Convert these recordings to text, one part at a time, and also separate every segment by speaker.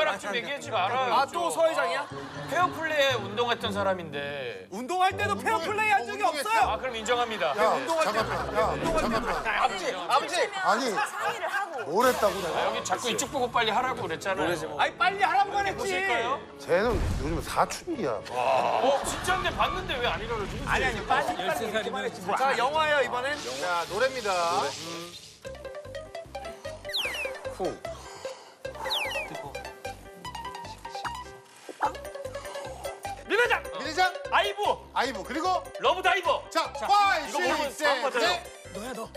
Speaker 1: 손가락 좀 얘기하지 말아요.
Speaker 2: 아, 또 서 회장이야?
Speaker 1: 페어플레이에 운동했던 사람인데.
Speaker 2: 운동할 때도 페어플레이 한 적이 없어요.
Speaker 1: 아, 그럼 인정합니다.
Speaker 3: 잠깐만.
Speaker 2: 아버지.
Speaker 3: 아니,
Speaker 4: 상의를 하고.
Speaker 3: 뭘 했다고 내가?
Speaker 1: 여기 자꾸 이쪽 보고 빨리 하라고 그랬잖아요.
Speaker 2: 아니, 빨리 하라고만 했지.
Speaker 1: 보실까요?
Speaker 3: 쟤는 요즘 사춘기야.
Speaker 1: 진짜인데 봤는데 왜 아니라 그러지?
Speaker 2: 아니, 빨리 그만했지. 자, 영화예요, 이번엔. 자, 노래입니다.
Speaker 1: 미래장!
Speaker 3: 미래장,
Speaker 1: 아이브!
Speaker 3: 아이브, 그리고
Speaker 1: 러브 다이버!
Speaker 3: 자,
Speaker 1: 이거
Speaker 3: 5,
Speaker 1: 모르면
Speaker 3: 6,
Speaker 1: 다음
Speaker 3: 7,
Speaker 1: 거잖아요.
Speaker 3: 8.
Speaker 2: 너야, 너.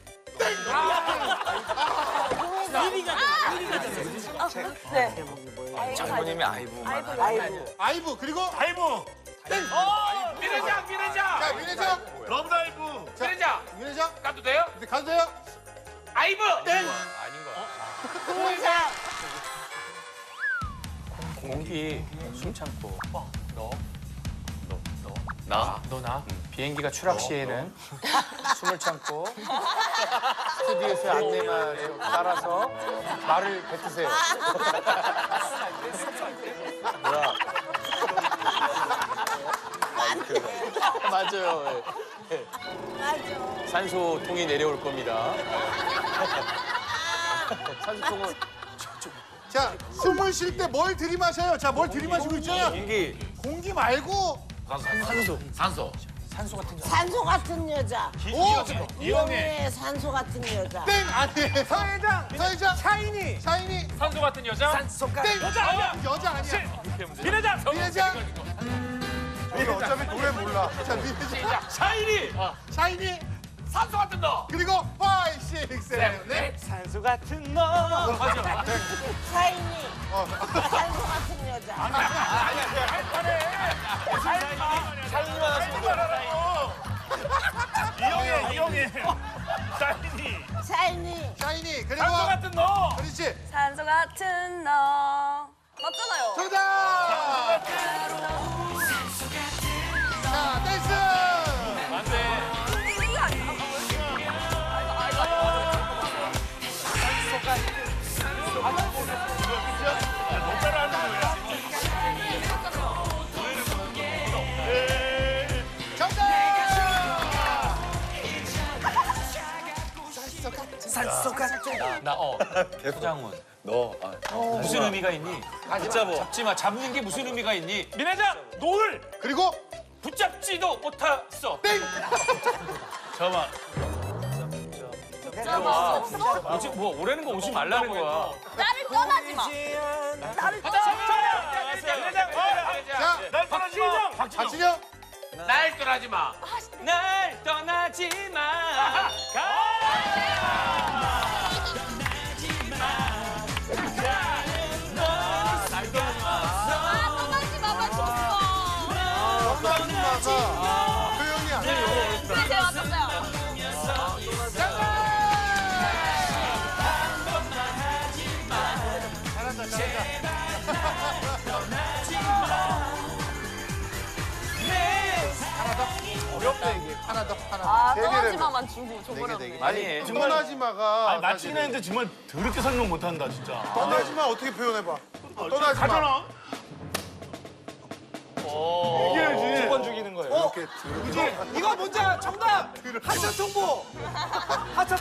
Speaker 4: 네.
Speaker 2: 장모님이 아이브만.
Speaker 4: 아이고.
Speaker 3: 아이브, 그리고
Speaker 1: 다이브! 미래장! 미래장!
Speaker 3: 자, 미래장,
Speaker 1: 러브 다이브! 미래장!
Speaker 3: 미래장.
Speaker 1: 가도 돼요?
Speaker 3: 네, 가도 돼요?
Speaker 1: 아이브!
Speaker 3: 땡.
Speaker 4: 공장.
Speaker 1: 공기 숨 참고 나? 비행기가 추락 시에는 숨을 참고 스튜디오에서 안내말에 따라서 말을 뱉으세요. 뭐야? 맞아요. 예.
Speaker 4: 맞아.
Speaker 1: 산소통이 내려올 겁니다. 산소통은
Speaker 3: 자, 숨을 쉴 때 뭘 들이마셔요? 자, 뭘 들이마시고 있잖아.
Speaker 1: 공기.
Speaker 3: 공기 말고.
Speaker 4: 산소 같은 여자.
Speaker 3: 오,
Speaker 4: 이영애 산소 같은 여자.
Speaker 3: 땡 아니에요.
Speaker 2: 서회장.
Speaker 3: 서회장,
Speaker 2: 샤이니.
Speaker 3: 샤이니,
Speaker 1: 산소 같은 여자?
Speaker 2: 산소가.
Speaker 3: 땡.
Speaker 1: 여자 아니야.
Speaker 3: 여자 아니야.
Speaker 1: 미래장!
Speaker 3: 미래장. 우리 어차피 노래 몰라. 자, 미래장,
Speaker 1: 샤이니!
Speaker 3: 샤이니,
Speaker 1: 산소 같은 너!
Speaker 3: 그리고 5, 6, 7, 8.
Speaker 2: 산소 같은 너.
Speaker 4: 사인이. 산소 같은 여자.
Speaker 1: 이영애! 샤이니!
Speaker 4: 사인이.
Speaker 3: 샤이니, 그리고
Speaker 1: 산소 같은 너!
Speaker 3: 그렇지.
Speaker 4: 산소 같은 너. 맞잖아요.
Speaker 3: 정답. 자, 댄스.
Speaker 1: 안돼.
Speaker 4: 이거 아니야?
Speaker 2: 산소 같은 너.
Speaker 1: 소장훈. 무슨 의미가 있니? 잡지 마. 잡는 게 무슨 의미가 있니? 미래장! 노을!
Speaker 3: 그리고
Speaker 1: 붙잡지도 못했어.
Speaker 3: 땡.
Speaker 1: 잠깐만. 오지, 뭐 오라는 거 오지 말라는 거야.
Speaker 4: 나를 떠나지 마. 나를 떠나지
Speaker 3: 자,
Speaker 1: 날 떠나지 마.
Speaker 3: 박진영.
Speaker 1: 날 떠나지 마. 날 떠나지 마.
Speaker 4: 마만 줬어.
Speaker 3: 엄마가 표현이 안 돼요.
Speaker 4: 네, 제가 맞췄어요.
Speaker 3: 어렵다 이게. 하나 더.
Speaker 4: 아,
Speaker 3: 네 개를
Speaker 4: 떠나지 마만 주고 저거는.
Speaker 3: 네 개.
Speaker 1: 아니,
Speaker 3: 떠나지마가
Speaker 5: 맞히긴 했는데 정말 더럽게 설명 못한다 진짜.
Speaker 3: 떠나지마 어떻게 표현해봐. 떠나지마.
Speaker 5: 가잖아. 이겨야지.
Speaker 1: 두번 죽이는 거예요.
Speaker 3: 이렇게
Speaker 2: 이거 뭔지 정답. 하차 통보. 하차.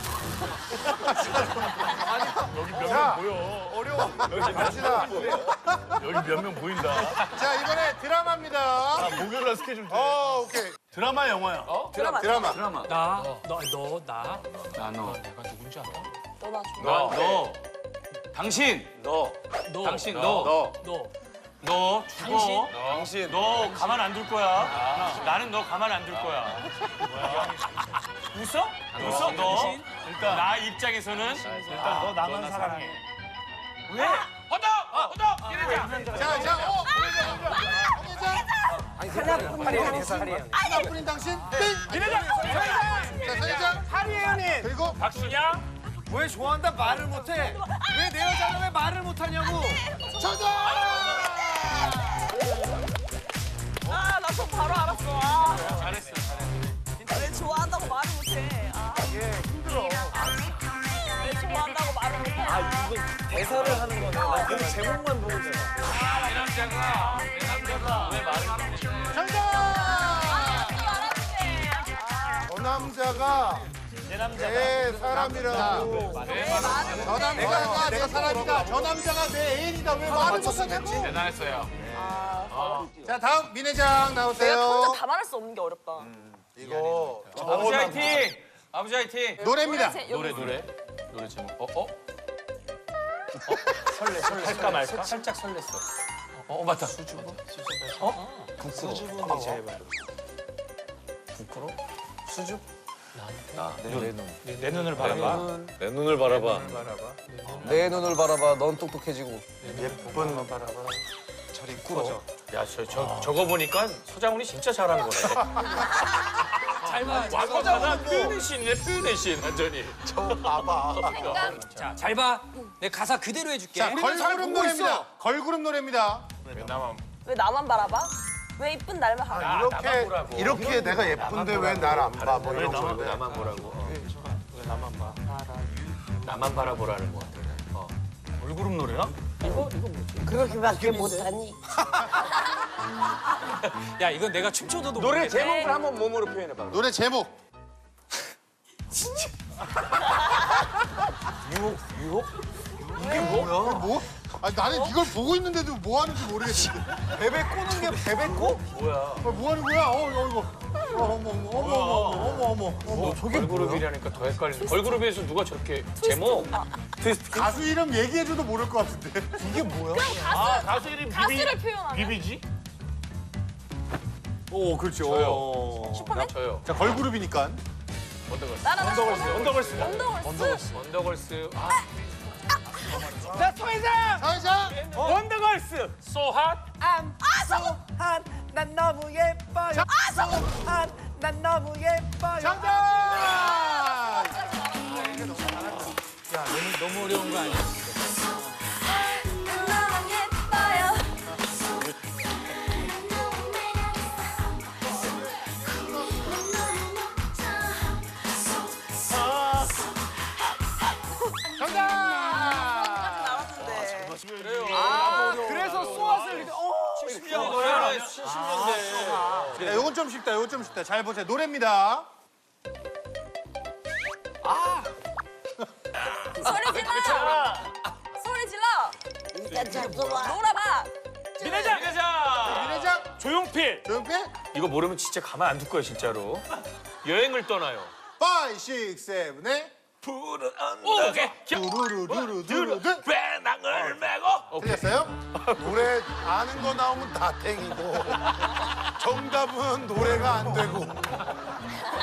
Speaker 5: 여기 몇
Speaker 3: 자.
Speaker 5: 명 보여.
Speaker 3: 어려워. 박진아.
Speaker 5: 여기 몇 명 보인다.
Speaker 3: 자, 이번에 드라마입니다.
Speaker 5: 아, 목요일날 스케줄 돼.
Speaker 3: 오케이.
Speaker 5: 드라마 영화야.
Speaker 3: 드라마.
Speaker 1: 당신. 당신 너. 너 죽어. 당신. 너 가만 안 둘 거야. 나는 너 가만 안 둘 거야. 웃어? 웃어? 너? 일단 나 입장에서는
Speaker 5: 일단 너 나만 사랑해.
Speaker 1: 왜? 허덕! 허덕! 이래자.
Speaker 3: 자, 홍회장. 하나뿐인 당신. 땡.
Speaker 1: 이래자.
Speaker 3: 자, 서회장.
Speaker 2: 하리혜연님.
Speaker 3: 그리고
Speaker 1: 박신양.
Speaker 2: 왜 좋아한다 말을 못해? 왜 내 여자는 왜 말을 못하냐고.
Speaker 3: 정답.
Speaker 4: 아, 나 저 바로 알았어. 아,
Speaker 1: 잘했어.
Speaker 4: 왜 좋아한다고 말을 못해. 아,
Speaker 3: 힘들어.
Speaker 4: 왜 좋아한다고 말을 못해.
Speaker 2: 대사를 하는 거네. 제목만 보고 있잖아.
Speaker 1: 내 남자가 왜 말을 안 해?
Speaker 3: 정답!
Speaker 2: 저 남자가 내 사람이라고.
Speaker 3: 저 남자가 내 사람이다. 저 남자가 내 애인이다. 왜 말을 못하냐고.
Speaker 1: 대단했어요.
Speaker 3: 자, 다음 민회장
Speaker 4: 내가
Speaker 3: 나오세요.
Speaker 4: 혼자 다 말할 수 없는 게 어렵다.
Speaker 2: 이거
Speaker 1: 아버지 화이팅! 아버지 화이팅!
Speaker 3: 노래입니다.
Speaker 1: 노래 제목. 설레. 할까 말까? 살짝 설렜어. 맞다. 수줍어? 부끄러워. 제발. 부끄러워? 수줍? 내 눈을 바라봐.
Speaker 5: 내 눈을 바라봐.
Speaker 2: 내 눈을 바라봐. 넌 똑똑해지고.
Speaker 3: 예쁜 바라봐. 저리 꾸러져.
Speaker 1: 야, 저거 보니까 서장훈이 진짜 잘한 거네. 잘 봐. 서장훈 표현의 신이네, 표현의 신, 완전히.
Speaker 6: 자, 잘 봐. 내 가사 그대로 해줄게.
Speaker 3: 자, 걸그룹 노래입니다. 걸그룹 노래입니다.
Speaker 4: 왜 나만 바라봐? 왜 이쁜 날만 바라봐?
Speaker 2: 이렇게 내가 예쁜데 왜 날 안 봐? 뭐 이런 건데.
Speaker 1: 나만 보라고. 왜 나만 봐? 나만 바라보라는 거 같아. 걸그룹 노래야?
Speaker 7: 그렇게밖에 못하니?
Speaker 6: 야, 이건 내가 춤춰도
Speaker 2: 노래 제목을 한번 몸으로 표현해봐.
Speaker 3: 노래 제목.
Speaker 2: 이게 뭐야?
Speaker 3: 뭐? 아니, 나는 이걸 보고 있는데도 뭐 하는지 모르겠는데.
Speaker 2: 베베 꼬는 게 베베 꼬?
Speaker 3: 뭐 하는 거야? 이거. 어머.
Speaker 1: 걸그룹이라니까 더 헷갈리네. 걸그룹에서 누가 저렇게 제목?
Speaker 3: 가수 이름 얘기해줘도 모를 것 같은데.
Speaker 2: 이게 뭐야?
Speaker 1: 가수 이름
Speaker 4: 가수를 표현하는.
Speaker 1: 비비지?
Speaker 3: 오, 그렇죠.
Speaker 4: 슈퍼맨?
Speaker 1: 저요.
Speaker 3: 자, 걸그룹이니까.
Speaker 4: 나라는
Speaker 1: 언더걸스.
Speaker 4: 언더걸스.
Speaker 3: 사회자.
Speaker 1: 언더걸스. 소핫.
Speaker 2: 소한 난 너무 예뻐요. 소한 난 너무 예뻐요.
Speaker 3: 정답!
Speaker 6: 야, 너무 어려운 거 아니야?
Speaker 4: 너무 예뻐요.
Speaker 3: 정답!
Speaker 4: 나왔는데.
Speaker 2: 그래서 쏘았을 때
Speaker 1: 70년 노래라 70년대.
Speaker 3: 야, 요건 좀 쉽다. 요건 좀 쉽다. 잘 보세요. 노래입니다.
Speaker 4: 소리 질러. 소리 질러.
Speaker 7: 일단 잡숴봐.
Speaker 4: 놀아봐.
Speaker 1: 민회장.
Speaker 3: 민회장.
Speaker 1: 조용필.
Speaker 3: 조용필.
Speaker 1: 이거 모르면 진짜 가만 안 둘 거야 진짜로. 여행을 떠나요.
Speaker 3: 5, 6, 7, 8.
Speaker 1: 푸른 언덕. 오케이.
Speaker 3: 두루루루루루루.
Speaker 1: 배낭을 메고.
Speaker 3: 틀렸어요?
Speaker 2: 노래 아는 거 나오면 다 땡이고 정답은 노래가 안 되고